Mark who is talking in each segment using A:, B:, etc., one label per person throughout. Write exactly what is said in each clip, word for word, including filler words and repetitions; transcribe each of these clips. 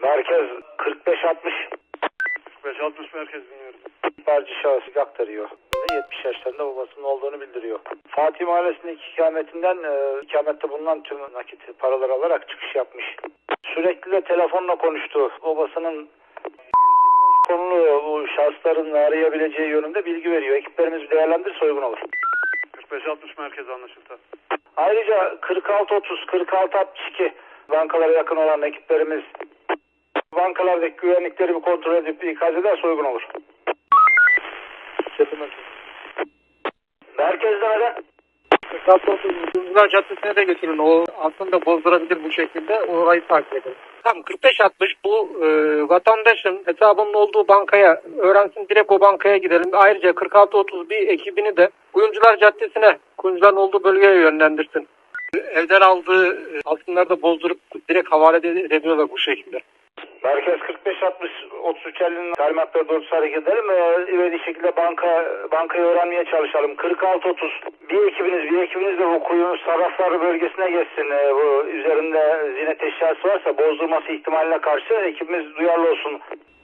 A: Merkez kırk beş altmış.
B: kırk beş altmış merkez dinliyorum.
A: İhbarcı şahıs aktarıyor. yetmiş yaşlarında babasının olduğunu bildiriyor. Fatih Mahallesi'ndeki ikametinden e, ikamette bulunan tüm nakit paraları alarak çıkış yapmış. Sürekli de telefonla konuştu. Babasının konulu bu şahısların arayabileceği yönünde bilgi veriyor. Ekiplerimiz değerlendirirse uygun olur.
B: kırk beş altmış merkez anlaşıldı.
A: Ayrıca kırk altı otuz, kırk altı altmış iki bankalara yakın olan ekiplerimiz bankalardaki güvenlikleri bir kontrol edip ikaz ederse uygun olur. Merkezde neden?
C: Kırklar Caddesi'ne de götürün. O aslında bozdurabilir bu şekilde. Orayı takip edin. Tamam, kırk beş altmış bu e, vatandaşın hesabının olduğu bankaya öğrensin, direkt o bankaya gidelim. Ayrıca kırk altı otuz bir ekibini de Kuyumcular Caddesi'ne, kuyumcuların olduğu bölgeye yönlendirsin. Evden aldığı e, altınları da bozdurup direkt havale ediyorlar bu şekilde.
A: Merkez kırk beş altmış otuz üç elli'nin talimatları doğrultusunda hareket edelim ve ivedi şekilde banka bankayı öğrenmeye çalışalım. kırk altı otuz bir ekibiniz bir ekibiniz de bu kuyu sarrafları bölgesine geçsin. Ee, bu üzerinde ziynet eşyası varsa bozdurması ihtimaline karşı ekibimiz duyarlı olsun.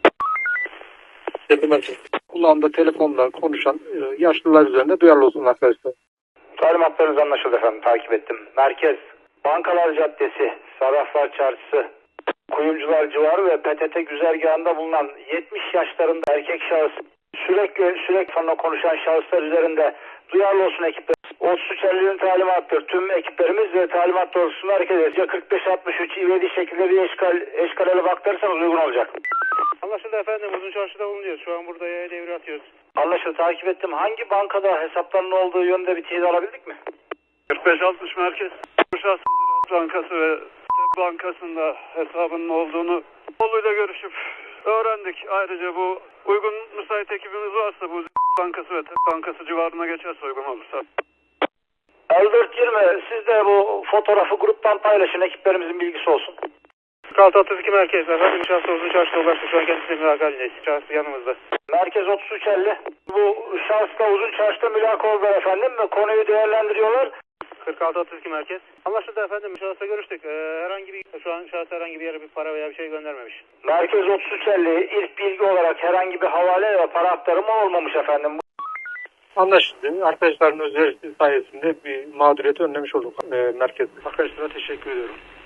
C: Kulağında telefonla konuşan e, yaşlılar üzerinde duyarlı olsun arkadaşlar.
A: Talimatlarınız anlaşıldı efendim, takip ettim. Merkez Bankalar Caddesi, Sarraflar Çarşısı, Kuyumcular civarı ve P T T güzergahında bulunan yetmiş yaşlarında erkek şahıs sürekli sürekli sonra konuşan şahıslar üzerinde duyarlı olsun ekipler. otuz üç elli'nin talimattır. Tüm ekiplerimiz ve talimat doğrultusunda hareket edecek. kırk beş altmış üç ivedi şekilde bir eşkal, eşkalele baktırırsanız uygun olacak.
B: Anlaşıldı efendim. Uzun çarşıda bulunuyoruz. Şu an burada yaya devre atıyoruz.
A: Anlaşıldı, takip ettim. Hangi bankada hesaplarının olduğu yönde bir teyit alabildik mi?
B: kırk beş altmış merkez. Şahsın Bankası ve Bankası'nda hesabının olduğunu oğluyla görüşüp öğrendik. Ayrıca bu uygun müsait ekibimiz varsa bu Bankası ve Bankası civarına geçerse uygun olursa.
A: elli dört yirmi siz de bu fotoğrafı gruptan paylaşın, ekiplerimizin bilgisi olsun.
B: kırk altı otuz iki merkez efendim. Şahsı uzun çarşıda ulaştı. Şu an kendisi mülakat halindeyiz. Şahsı yanımızda.
A: Merkez otuz üç elli. Bu şahısla uzun çarşıda mülaka oldular efendim ve konuyu değerlendiriyorlar.
B: kırk altı otuz iki merkez. Anlaşıldı efendim. Şahısla görüştük. Ee, herhangi bir şu an şahıs herhangi bir yere bir para veya bir şey göndermemiş.
A: Merkez otuz üç elli ilk bilgi olarak herhangi bir havale ve para aktarımı olmamış efendim.
C: Anlaşıldı. Arkadaşların özelliği sayesinde bir mağduriyeti önlemiş olduk e, merkezde.
B: Arkadaşlara teşekkür ediyorum.